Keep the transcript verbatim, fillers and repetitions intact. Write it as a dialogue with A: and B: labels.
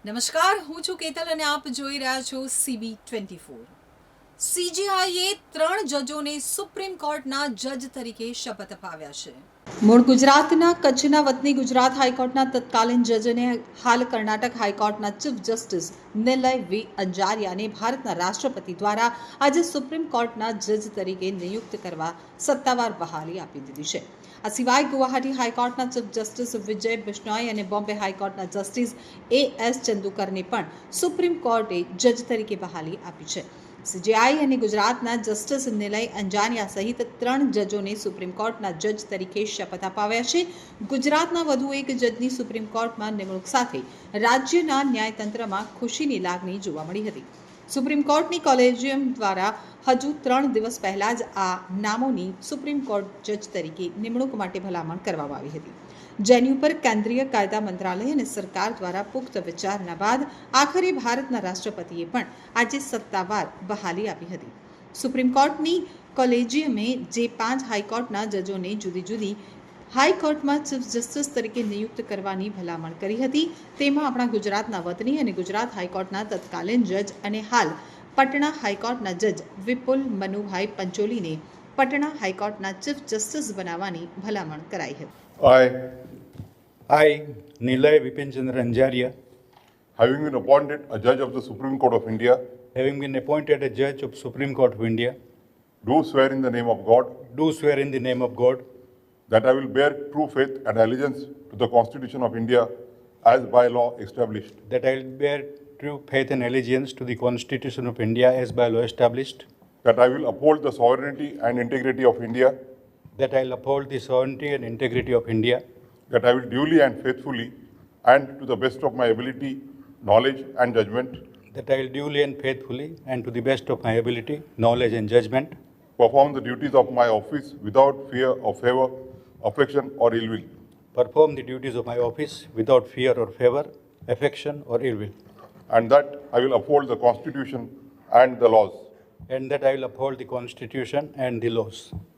A: નમસ્કાર, હું છું કેતલ અને આપ જોઈ રહ્યા છો સીબી ટ્વેન્ટી ફોર. સીજીઆઈએ ત્રણ જજોને સુપ્રીમ કોર્ટના જજ તરીકે શપથ અપાવ્યા છે. મૂળ ગુજરાતના કચ્છના વતની ગુજરાત હાઈકોર્ટના તત્કાલીન જજ અને હાલ કર્ણાટક હાઈકોર્ટના ચીફ જસ્ટિસ નિલય વી અંજારિયાને ભારતના રાષ્ટ્રપતિ દ્વારા આજે સુપ્રીમ કોર્ટના જજ તરીકે નિયુક્ત કરવા સત્તાવાર બહાલી આપી દીધી છે. આ સિવાય ગુવાહાટી હાઈકોર્ટના ચીફ જસ્ટિસ વિજય બિશ્નોઈ અને બોમ્બે હાઈકોર્ટના જસ્ટિસ એ એસ ચંદુકરને પણ સુપ્રીમ કોર્ટે જજ તરીકે બહાલી આપી છે. સીજીઆઈ અને ગુજરાતના જસ્ટિસ નિલય અંજાનિયા સહિત ત્રણ જજોને સુપ્રીમ કોર્ટના જજ તરીકે શપથ અપાવ્યા છે. ગુજરાતના વધુ એક જજની સુપ્રીમ કોર્ટમાં નિમણૂક સાથે રાજ્યના ન્યાયતંત્રમાં ખુશીની લાગણી જોવા મળી હતી. સુપ્રીમ કોર્ટની કોલેજિયમ દ્વારા હજુ ત્રણ દિવસ પહેલા જ આ નામોની સુપ્રીમ કોર્ટ જજ તરીકે નિમણૂક માટે ભલામણ કરવામાં આવી હતી, જેની ઉપર કેન્દ્રીય કાયદા મંત્રાલય અને સરકાર દ્વારા પુખ્ત વિચારણા બાદ આખરે ભારતના રાષ્ટ્રપતિએ પણ આજે સત્તાવાર બહાલી આપી હતી. સુપ્રીમ કોર્ટની કોલેજિયમે જે પાંચ હાઈકોર્ટના જજોને જુદી જુદી હાઈકોર્ટમાં ચીફ જસ્ટિસ તરીકે નિયુક્ત કરવાની ભલામણ કરી હતી, તેમાં આપણા ગુજરાતના વતની અને ગુજરાત હાઈકોર્ટના તત્કાલીન જજ અને હાલ પટણા હાઈકોર્ટના જજ વિપુલ મનુભાઈ પંચોલીને પટણા હાઈકોર્ટના ચીફ જસ્ટિસ બનાવવાની ભલામણ કરાઈ હતી.
B: I,
C: I, Nilay Vipin-Chandra Anjaria,
B: having been appointed a judge of the Supreme Court of India,
C: having been appointed a judge of Supreme Court of India,
B: do swear in the name of God
C: do swear in the name of God
B: that I will bear true faith and allegiance to the Constitution of India as by law established,
C: that I will bear true faith and allegiance to the Constitution of India as by law established,
B: that I will uphold the sovereignty and integrity of India,
C: that I will uphold the sovereignty and integrity of India,
B: that I will duly and faithfully and to the best of my ability, knowledge and judgment
C: that I will duly and faithfully and to the best of my ability, knowledge and judgment
B: perform the duties of my office without fear or favor, affection or ill will,
C: perform the duties of my office without fear or favor, affection or ill will,
B: and that I will uphold the Constitution and the laws.
C: and that I will uphold the Constitution and the laws.